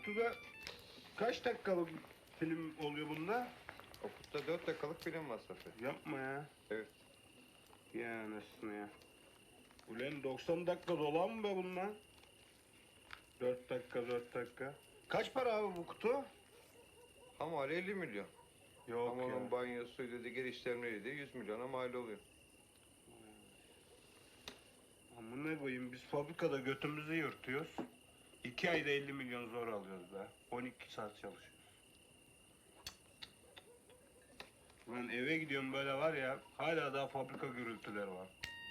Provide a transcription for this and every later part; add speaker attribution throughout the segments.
Speaker 1: Okut'ta kaç dakikalık film oluyor bunda?
Speaker 2: Okut'ta 4 dakikalık film var Saffet.
Speaker 1: Yapma ya.
Speaker 2: Evet.
Speaker 1: Ya anasını ya. Ulan 90 dakika dolan mı be bunlar? 4 dakika 4 dakika. Kaç para abi bu kutu?
Speaker 2: Ama 50 milyon.
Speaker 1: Yok
Speaker 2: Ama
Speaker 1: ya.
Speaker 2: onun banyosuydu, geri işlemleriydi 100 milyona mal oluyor.
Speaker 1: Amına koyayım biz fabrikada götümüzü yırtıyoruz. 2 ayda 50 milyon zor alıyoruz be. 12 saat çalışıyoruz. Lan eve gidiyorum böyle var ya, hala daha fabrika gürültüleri var.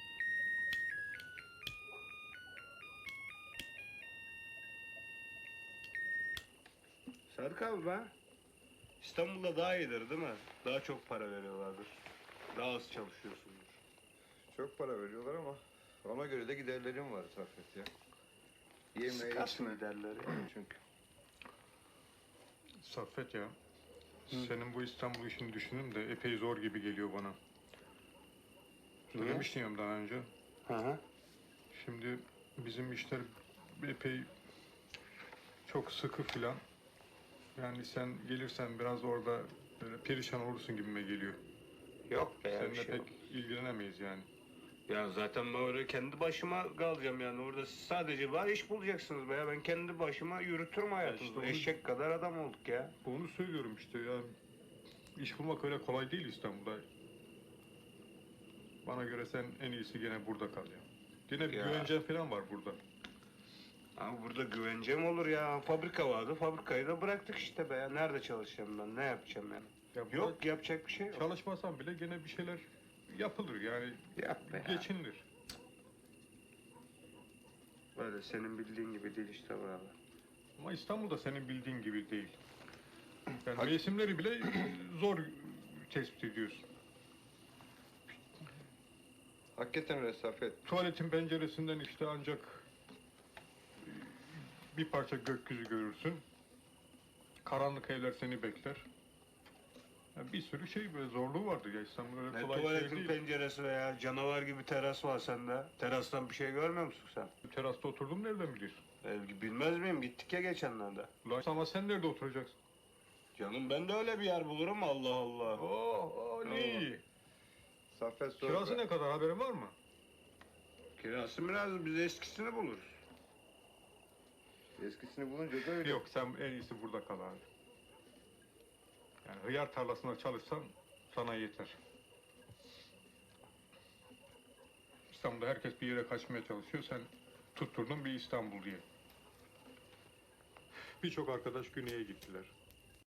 Speaker 1: Sadık abi be, İstanbul'da daha iyidir değil mi? Daha çok para veriyorlardır. Daha az çalışıyorsundur.
Speaker 2: Çok para veriyorlar ama ona göre de giderlerim var Saffet ya. Yemeğe,
Speaker 1: Sıkarsın
Speaker 2: içme.
Speaker 1: giderleri ya.
Speaker 2: Çünkü.
Speaker 3: Saffet ya, senin bu İstanbul işini düşündüm de epey zor gibi geliyor bana. Söylemiştim ya daha önce.
Speaker 1: Hı hı.
Speaker 3: Şimdi bizim işler epey çok sıkı filan. Yani sen gelirsen biraz orada böyle perişan olursun gibime geliyor.
Speaker 1: Yok be ya, bir
Speaker 3: Seninle
Speaker 1: şey
Speaker 3: pek
Speaker 1: yok.
Speaker 3: ilgilenemeyiz yani.
Speaker 1: Ya zaten böyle kendi başıma kalacağım yani. Orada siz sadece var iş bulacaksınız be ya. Ben kendi başıma yürütürüm hayatımı.
Speaker 3: işte onu-
Speaker 1: Eşek kadar adam olduk ya.
Speaker 3: Onu söylüyorum işte ya. İş bulmak öyle kolay değil İstanbul'da. Bana göre sen en iyisi gene burada kal ya. Gene bir
Speaker 1: Ya.
Speaker 3: güvencen falan var burada.
Speaker 1: Abi burada güvencem olur ya. Fabrika vardı. Fabrikayı da bıraktık işte be ya. Nerede çalışacağım ben? Ne yapacağım yani?
Speaker 3: Ya burada
Speaker 1: Yok yapacak bir şey yok.
Speaker 3: çalışmasan bile gene bir şeyler yapılır yani.
Speaker 1: Yap be ya.
Speaker 3: Geçinilir.
Speaker 1: Böyle senin bildiğin gibi değil işte buralar.
Speaker 3: Ama İstanbul'da senin bildiğin gibi değil. Yani mevsimleri bile zor tespit ediyorsun.
Speaker 2: Hakikaten öyle Saffet.
Speaker 3: Tuvaletin penceresinden işte ancak bir parça gökyüzü görürsün. Karanlık evler seni bekler. Ya bir sürü şey böyle zorluğu vardır ya İstanbul öyle
Speaker 1: Ne
Speaker 3: kolay şey
Speaker 1: tuvaletin
Speaker 3: değil.
Speaker 1: penceresi veya canavar gibi teras var sende. Terastan bir şey görmüyor musun sen?
Speaker 3: Terasta oturdum nereden biliyorsun?
Speaker 1: Bilmez miyim? Gittik ya geçenlerde.
Speaker 3: Ulan ama sen nerede oturacaksın?
Speaker 1: Canım ben de öyle bir yer bulurum Allah Allah.
Speaker 3: Oo, ne iyi.
Speaker 2: Saffet sor.
Speaker 3: Kirası ne kadar haberin var mı?
Speaker 1: Kirası biraz biz eskisini buluruz.
Speaker 2: Eskisini bulunca da öyle.
Speaker 3: Yok sen en iyisi burada kal abi. Yani hıyar tarlasında çalışsan sana yeter. İstanbul'da herkes bir yere kaçmaya çalışıyor. Sen tutturdun bir İstanbul diye. Birçok arkadaş güneye gittiler.